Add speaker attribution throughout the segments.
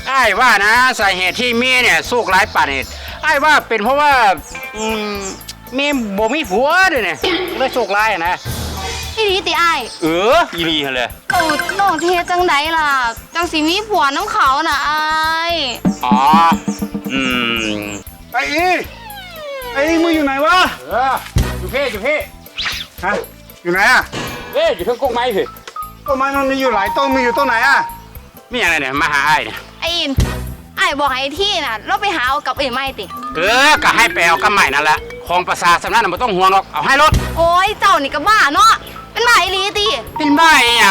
Speaker 1: ไอ้ว่านะสาเหตุที่เมียเนี่ยสู้ร้ายป่านเหตุไอ้ว่าเป็นเพราะว่าเมียบ่มีผัวด้วยเนี่ยเลยสู้ร้ายนะ
Speaker 2: อีหลีติอ้าย
Speaker 1: อีหลีเลย
Speaker 2: น้องเทจังไดล่ะจังสิมีผัวน้ำเขาน่ะอ้าย
Speaker 1: อ๋อ
Speaker 3: ไอ้มึงอยู่ไหนวะ
Speaker 1: อยู่พี่
Speaker 3: ฮะอยู่ไหนอ่ะ
Speaker 1: อยู่ทั้งก๊กไม้พี่
Speaker 3: ต้นไม้มันมีอยู่หลายต้นมีอยู่ต้นไหนอ่ะ
Speaker 1: มีอะไรเนี่ยมาหาไอ้เนี่ย
Speaker 2: ไอ้อินไอ้บอกไอ้ที่น่ะเราไปหาเอากับเอ๋ไม่ติ
Speaker 1: ก็ให้ไปเอากับใหม่นั่นแหละของประสาสำนักน่ะไม่ต้องห่วงหรอกเอาให้รถ
Speaker 2: โอ้ยเจ้านี่ก็บ้าเนาะเป็นบ้าอีหลีติ
Speaker 1: เป็นบ้าเอง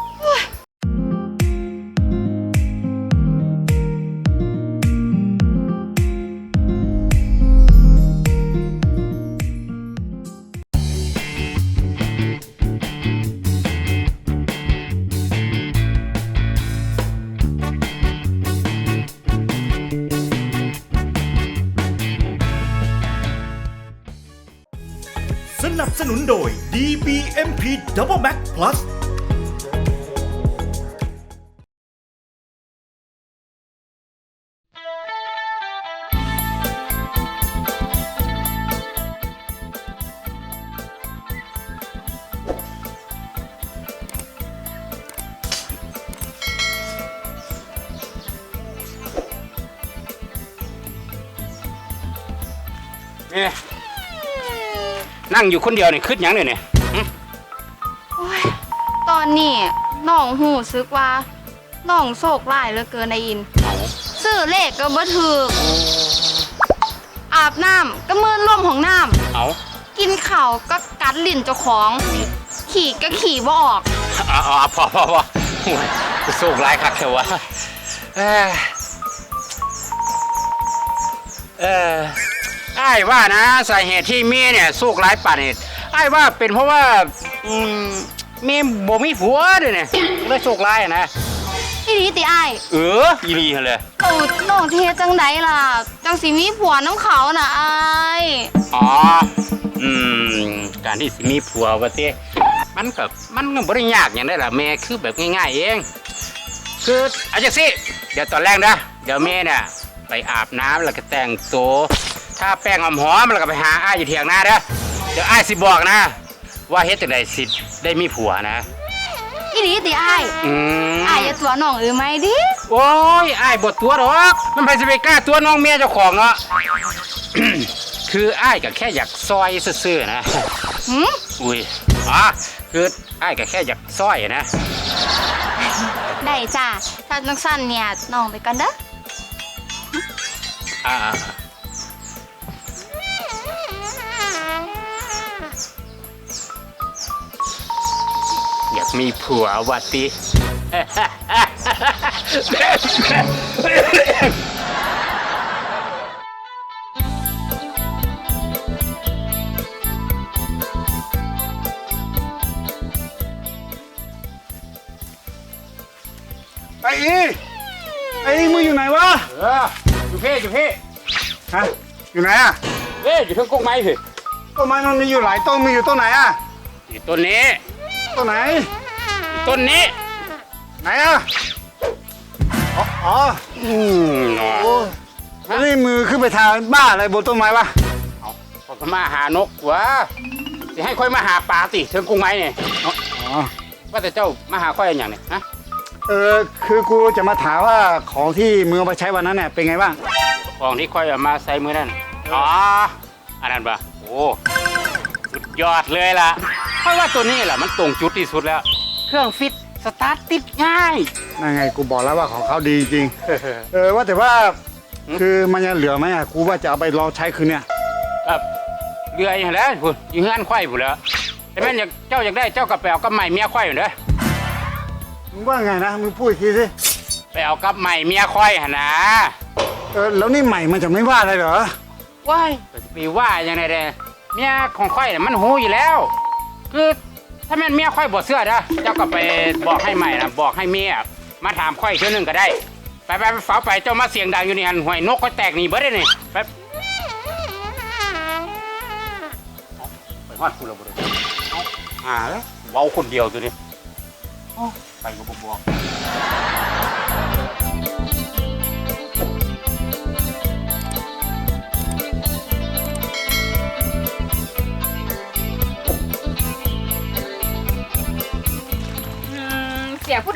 Speaker 4: สนับสนุนโดย DBMP Double Max Plus
Speaker 1: นั่งอยู่คนเดียวเนี่ยคืดยังเนี่ย
Speaker 2: ตอนนี้น้องหูซึกว่าน้องโศกร้ายเหลือเกินไอ้อินซื้อเลขก็บ่ถูกอาบน้ำก็มือร่วมของน้ำกินข้าวก็กัดลิ้นเจ้าของขี่ก็ขี่บ่ออก
Speaker 1: พอโศกร้ายคักเถอะวะไอ้ว่านะสาเหตุที่เมียเนี่ยสู้ร้ายป่านเหตุไอ้ว่าเป็นเพราะว่าเมียบ่มีผัวด้วยเนี่ยเลยสู้ร้ายนะ
Speaker 2: อีหลีติอ้าย
Speaker 1: อีหลีเลย
Speaker 2: น้องเทจังไดล่ะจังสิมีผัวน้ำเขาน่ะอ้าย
Speaker 1: การที่สิมีผัวว่าเต้มันก็บ่ได้ยากอย่างได้ล่ะแม่คือแบบง่ายๆเองคือเอาจังสิเดี๋ยวตอนแรกนะเดี๋ยวแม่เนี่ยไปอาบน้ำแล้วก็แต่งตัวถ้าแป้งหอมแล้วก็ไปหาอ้ายอยู่เถียงนาเด้อเดี๋ยวอ้ายสิบอกนะว่าเฮ็ดจังได๋สิได้มีผัวนะ
Speaker 2: อีหลีติอ้ายอ้ายอย่าตัวน้องไหมดิ
Speaker 1: โอ้ยอ้ายบ่ตัวดอกมันไปสิไปกล้าตัวน้องเมียเจ้าของเนาะ คืออ้ายก็แค่อยากซอยซื่อๆนะอุ้ยคืออ้ายก็แค่อยากซอยนะ
Speaker 2: ได้จ้าถ้าจังซั่นเนี่ยน้องไปกันเด้อ
Speaker 1: อยากมีผัววัดติ
Speaker 3: ไอ้มึงอยู่ไหนวะ
Speaker 1: อยู่พี่
Speaker 3: ฮะอยู่ไหนอ่ะ
Speaker 1: อยู่ทั้งก๊กไม้พี่
Speaker 3: ต้นไม้มันมีอยู่หลายต้นมีอยู่ต้นไหนอ่ะ
Speaker 1: ต้นนี้
Speaker 3: ต้นไหน
Speaker 1: ต้นนี้
Speaker 3: ไหนอ่ะแล้วนี่มือขึ้นไปทางบ้าอะไรบนต้นไม้วะ
Speaker 1: ผมก็มาหานกวะจะให้ค่อยมาหาปลาติเชิงกุ้งไม้เนี่ยว่าแต่เจ้ามาหาค่อยอย่างเนี่ยฮะ
Speaker 3: คือกูจะมาถามว่าของที่มือเอาไปใช้วันนั้นเนี่ยเป็นไงบ้าง
Speaker 1: ของที่ค่อยเอามาใส่มือนั่นอันนั้นปะโอ้สุดยอดเลยล่ะเพราะว่าตัวนี้แหละมันตรงจุดที่สุดแล้วเครื่องฟิตสตาร์ทติดง่าย
Speaker 3: นั่นไงกูบอกแล้วว่าของเขาดีจริงว่าแต่ว่าคือมันยังเหลือไหมกูว่าจะเอาไปลองใช้คืนเนี่ย
Speaker 1: เหลืออย่างแล้วคุณยิงงานควายผมแล้วแต่แม่เจ้าอยากได้เจ้ากับไปเอากับใหม่เมียควายอยู่เด้อ
Speaker 3: มึงว่าไงนะมึงพูดอีกทีสิ
Speaker 1: ไปเอากับใหม่เมียควายหนะ
Speaker 3: แล้วนี่ใหม่มันจะไม่ว่าอะไรเหรอ
Speaker 1: ว้ายไปว่าอย่างไรเด้เมียของควายเนี่ยมันหูอยู่แล้วคือถ้าแม่เมียควายบดเสื้อนะเจ้าก็ไปบอกให้ใหม่นะบอกให้เมียมาถามควายเชื่อหนึ่งก็ได้ไปฝาไปเจ้ามาเสียงดังอยู่นี่หันหวยนกก็แตกหนีเบิดได้นี่ไปฮอดคุณเราบ่ได้แล้วเว้าคนเดียวตัวนี้ไปก็บอก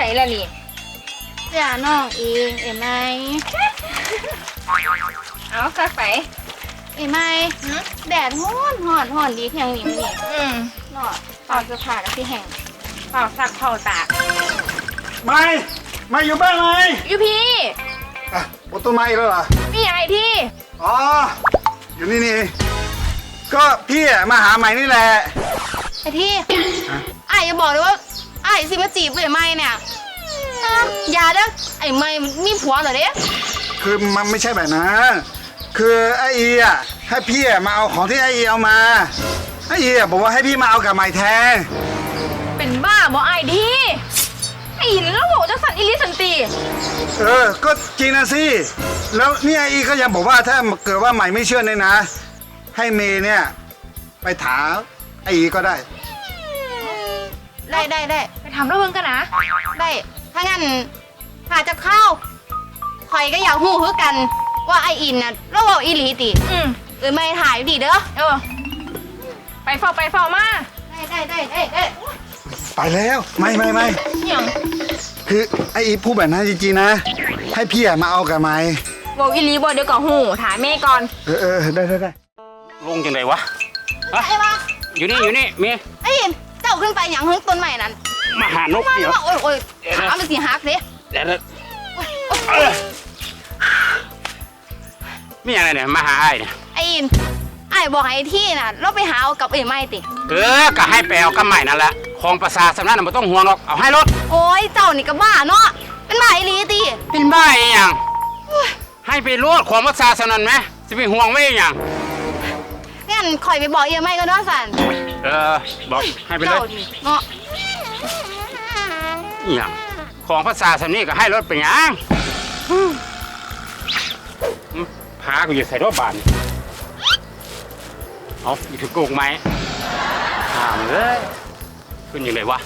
Speaker 5: ล่ะนี่
Speaker 2: เสียน้องเองเอ๋ไหม
Speaker 5: เอาซักไป
Speaker 2: เอ๋ไหมแดดฮ้อนดีเพียงนี้มันนี่ เนาะตอนเสื้อผ้าแล้วพี่แห้ง
Speaker 5: เป่าซักเป่าตาก
Speaker 3: ไม่อยู่บ้านไหม
Speaker 5: อยู่พี่
Speaker 3: อ่ะบนต้นไม้อีกแล้วเหรอ
Speaker 5: มีอะไรที่
Speaker 3: อ๋อ อยู่นี่นี่เองก็พี่อะมาหาใหม่นี่แหละ
Speaker 2: ไอ้ที่ไอ้อย่าบอกเลยว่าไอ้สิมาจีบเอ๋ไหมเนี่ยอย่าเด้อไอ้ไม่มีผัวเหรอเด้
Speaker 3: คือมันไม่ใช่แบบนั้น คือไอ้อีอ่ะให้พี่อะมาเอาของที่ไอ้อีเอามา ไอ้อีอ่ะบอกว่าให้พี่มาเอากับใหม่แทน
Speaker 5: เป็นบ้าบ่ไอ้ที่ไอ้หินแล้วโหจะสั่นอิลิสันตี
Speaker 3: ก็จริงนะสิ แล้วเนี่ยไอ้อีก็ยังบอกว่าถ้าเกิดว่าใหม่ไม่เชื่อเนี่ยนะ ให้เมย์เนี่ยไปถามไอ้อีก็ได้
Speaker 2: ได้
Speaker 5: ไปทำแล้วเบิ่งกันนะ
Speaker 2: ได้ถ้างั้นหาจะเข้าคอยก็อยากหู้คือกัน ว่าไออินน่ะเราเอาอีหลีติ เอ้ยไม่ถ่ายดิเด้อ
Speaker 5: ไปเฝ้ามา
Speaker 2: ได้
Speaker 3: ไปแล้วไม่
Speaker 5: อย่าง
Speaker 3: คือไอ้อีพูดแบบนั้นจริงๆนะ ให้พี่อะมาเอากับใหม่
Speaker 5: บอกอิลีบอกเดี๋ยวก่อนหูถามแม่ก่อน
Speaker 3: ได้
Speaker 1: ลงจังไดวะฮะ
Speaker 2: ไอ้มา
Speaker 1: อยู่นี่เมีย
Speaker 2: ไอ้อินเจ้าขึ้นไปอย่างหึงต้นใหม่นั้น
Speaker 1: มาหานก
Speaker 2: มา
Speaker 1: เดี๋ยว
Speaker 2: โอ้ยขามันสิหักสิ
Speaker 1: เดี๋ยวมีอะไรเนี่ยมาหาไอ้เนี่ย
Speaker 2: ไอ้อินไอ้บอกไอ้ที่น่ะเราไปหาเอากับเอ้ยไม่ติ
Speaker 1: ก็ให้ไปเอากำใหม่นั่นแหละของประสาทสำนักน่ะไม่ต้องห่วงหรอกเอาให้รถ
Speaker 2: โอ้ยเจ้านี่ก็บ้าเนาะเป็นบ้าอีหลีติ
Speaker 1: เป็นบ้าอีหยังให้ไปรถของประสาทสำนักไหมจะไปห่วงไว้อีหยัง
Speaker 2: งั้นคอยไปบอกเอ้ยไม่ก็ได้สัน
Speaker 1: บอกให้ไปเล
Speaker 2: เจ้าย ดิเนาะ
Speaker 1: อีหยังของภาษาสำนี้ก็ให้รถไปหยังพากูอยู่ใส่รถบานเอาอยู่ถึงโกงไหมถามเลยขึ้นยังไงวะ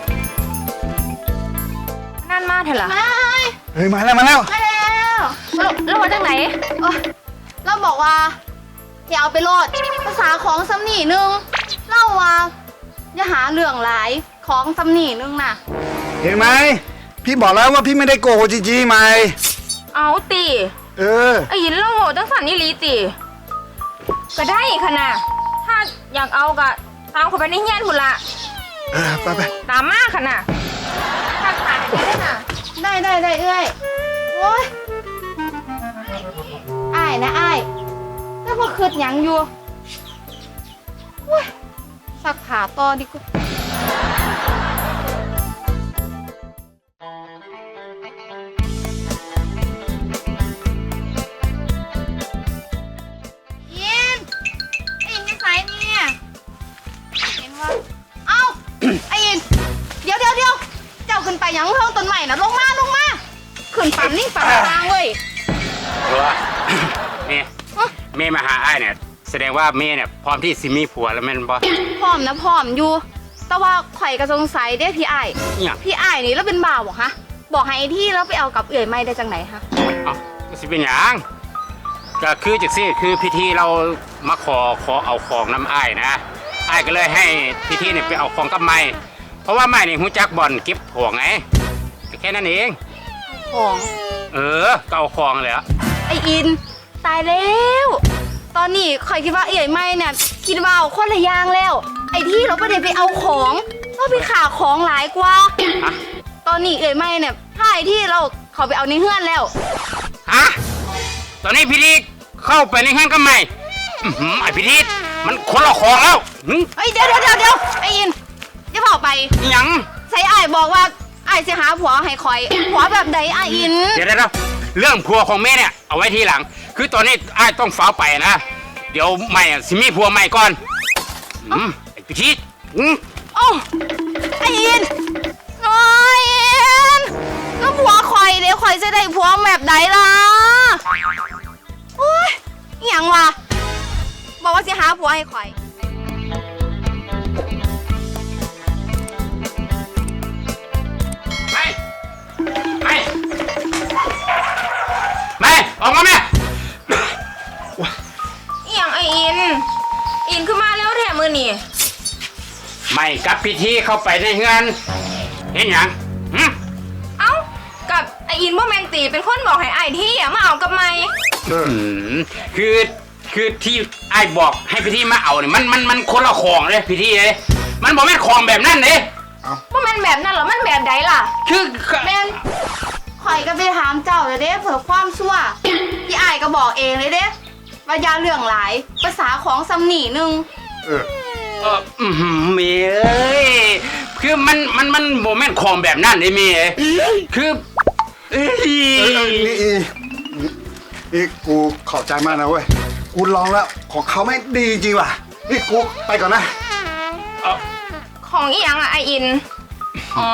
Speaker 5: นั่นมาเถอะล่ะ
Speaker 2: ไม่
Speaker 3: เฮ้ยมาแล้ว
Speaker 2: มาแล้ว
Speaker 5: แล้วมาจากไหน
Speaker 2: โอ๊ยเราบอกว่าอย่าเอาไปโลดภาษาของสำนีนึงเล่าว่าอย่าหาเรื่องหลายของสำนีนึงน่ะ
Speaker 3: เห็นไหมพี่บอกแล้วว่าพี่ไม่ได้โกหกจริงๆไหม
Speaker 5: เอาตี
Speaker 3: เ
Speaker 5: ไอ้หินแล้วโหจังสั่นอิลีตีก็ได้ขนาดถ้าอยากเอาก็ตามเข้าไปในเฮียนหุ่นละ
Speaker 3: ไป
Speaker 5: ตามมาขนาดถ้าขาดได้น่ะ
Speaker 2: ได้เอ้ยโอ้ยอ้ายนะอ้ายแล้วพอคืดหยังอยู่โอ้ยสักขาต่อดีกว่ายินไอ้ยินจะใส่เนี่ยเห็นว่าเอ้า ไอ้ยินเดี๋ยว เจ้าขึ้นไปหยังเพิ่งต้นใหม่นะลงมาขึ้นปั่นนี่ปั่นทางเว้ย
Speaker 1: เพราะว่า เมย์มาหาไอ้เนี่ยแสดงว่าเมย์เนี่ยพร้อมที่สิมีผัวแล้วแม่นบ่
Speaker 2: พร้อมนะพร้อมอยู่ แต่ว่าข่อยก็สงสัยเด้พี่อ้าย
Speaker 1: เนี่ย
Speaker 2: พี่อ้ายนี่แล้วเป็นบ่าวบอกฮะบอกให้ไอ้ที่แล้วไปเอากับเอื่อยไม่ได้จังไหนฮะ
Speaker 1: เอ้าก็สิเป็นหยังก็คือจักซี่คือพิธีเรามาขอเอาของน้ำอ้ายนะอ้ายก็เลยให้พิธีเนี่ยไปเอาของกับไม้เพราะว่าไม้นี่หูจักบ่อนเก็บของไงก็แค่นั้นเอง
Speaker 2: ของ
Speaker 1: ก็เอาของเลยอะ
Speaker 2: ไออินตายแล้ว ตอนนี้ข่อยคิดว่าเอื่อยไม่เนี่ยคิดว่าเอาคนละอย่างแล้ว ไอที่เราไม่ได้ไปเอาของเราไปขาของหลายกว่า
Speaker 1: ฮะ
Speaker 2: ตอนนี้เอื่อยไม่เนี่ยถ้าไอที่เราเขาไปเอาในเฮือนแล้ว
Speaker 1: ฮะตอนนี้พิธีเข้าไปในห้างกับไม้ไอพิธีมันคนละของแล้วหึ
Speaker 2: เฮ้ยเดี๋ยวไออินอย่าเผาไป
Speaker 1: อิหยัง
Speaker 2: ใส่อ้ายบอกว่าอ้ายจะหาผัวให้คอยผัวแบบใดอ้ายอิน
Speaker 1: เดี๋ยวเรื่องผัวของแม่เนี่ยเอาไว้ทีหลัง คือตอนนี้อ้ายต้องฟ้าวไปนะ เดี๋ยวใหม่อะสิมีผัวใหม่ก่อนไอพิธี
Speaker 2: โอ้ไอ้อินโอ้ยอินแล้วผัวคอยเดี๋ยวคอยจะได้ผัวแบบใดล่ะโอ้ยอหย่างวะบอกว่าจะหาผัวให้คอย
Speaker 1: ไม่ออกมาแม่
Speaker 5: อีหยังไอ้อินขึ้นมาแล้วแถมมือนี่
Speaker 1: ไม่กับพิธีเข้าไปในเฮือนเห็นหยัง
Speaker 5: ติเป็นคนบอกให้ไอ้ที่มาเอากับไม่
Speaker 1: อืมคือที่ไอ้ายบอกให้พี่ที่มาเอาเนี่ยมันคนละของเลยพี่ที่เลยมันบอกแม่นของแบบนั้นเลย
Speaker 5: ว่ามันแบบนั้นเหรอมันแบบใดล่ะ
Speaker 1: คือ
Speaker 2: แม่นข่อยก็ไปถามเจ้าเลยเด้เผื่อความชั่วพี่อ้ายก็บอกเองเลยเด้ว่าอยาเรื่องหลายภาษาของสำนีหนึง
Speaker 1: เมย์เอ้ยคือมันโมเมนต์ของแบบนั้นเลยเมย์คือเอ้ย
Speaker 3: นี่กูขอบใจมากนะเว้ย กูลองแล้วของเขาไม่ดีจริงว่ะ นี่กูไปก่อนนะ
Speaker 5: ของอีหยังอ่ะไออิน อ๋อ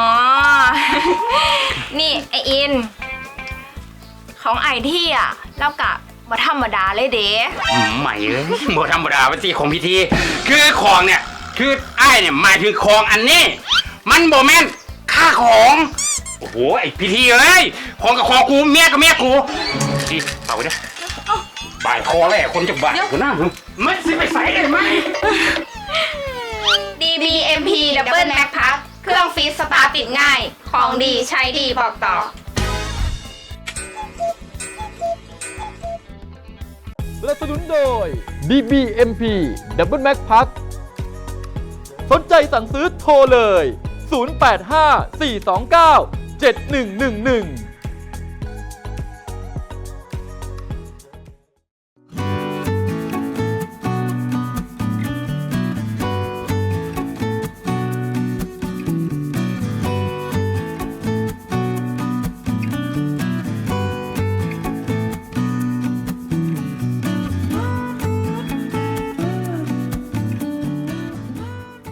Speaker 5: นี่ไออิน ของไอที่อ่ะแล้วกะมาธรรมดาเลยเด้
Speaker 1: ใหม่เลยโมธรรมดาปฏิของพิธีคือของเนี่ยคือไอ้ายเนี่ยหมายถึงของอันนี้ มันโมเมนต์ค่าของโอ้โหไอพิธีเอ้ยของกับของกูเมียกับเมียกูดีเอาไปเด้อบ่ายคอแหละคนจะบ่ายกูน่าไม่สิไปใส่เลยไหม
Speaker 5: DBMP Double Mac Pack เครื่องฟีดสตาร์ทติดง่าย ของดีใช้ดีบอกต่อ
Speaker 6: สนับสนุนโดย DBMP Double Mac Pack สนใจสั่งซื้อโทรเลย 085 429 7111